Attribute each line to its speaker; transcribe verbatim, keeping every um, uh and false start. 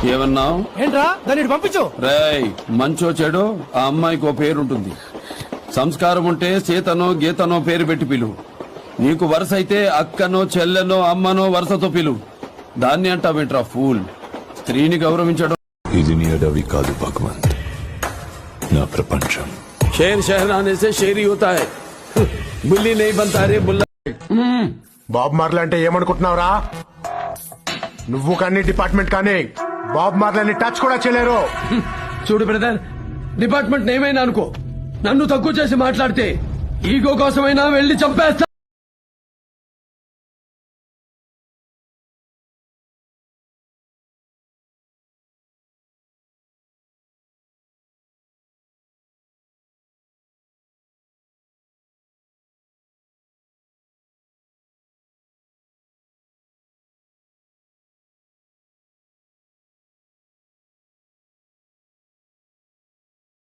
Speaker 1: ఏమన్నావు?
Speaker 2: ఏంట్రా దాన్ని ఇటు పంపించు.
Speaker 1: రేయ్, మంచో చెడు ఆ అమ్మాయికి ఓ పేరుంటుంది. సంస్కారం ఉంటే సీతనో గీతనో పేరు పెట్టి పిలువు. నీకు వరుస అయితే అక్కనో చెల్లెనో అమ్మనో వరుసతో పిలువు. దాన్ని అంటావేంట్రా ఫూల్? స్త్రీని గౌరవించడం.
Speaker 3: ఇది నీ అడవి కాదు భగవంత్, నా ప్రపంచం.
Speaker 1: షేర్ షహరానే సే షేరీ హోతా హై, బుల్లి నహీ బన్తా రే బుల్లా.
Speaker 4: బాబ్ మార్లే అంటే ఏమనుకుంటున్నావురా? నువ్వు కానీ డిపార్ట్మెంట్ కానీ బాబ్ మార్లని టచ్ కూడా చేయలేరు.
Speaker 1: చూడు బ్రదర్, డిపార్ట్మెంట్ ఏమైనా అనుకో, నన్ను తక్కువ చేసి మాట్లాడితే ఈగో కోసమైనా వెళ్లి చంపేస్తా.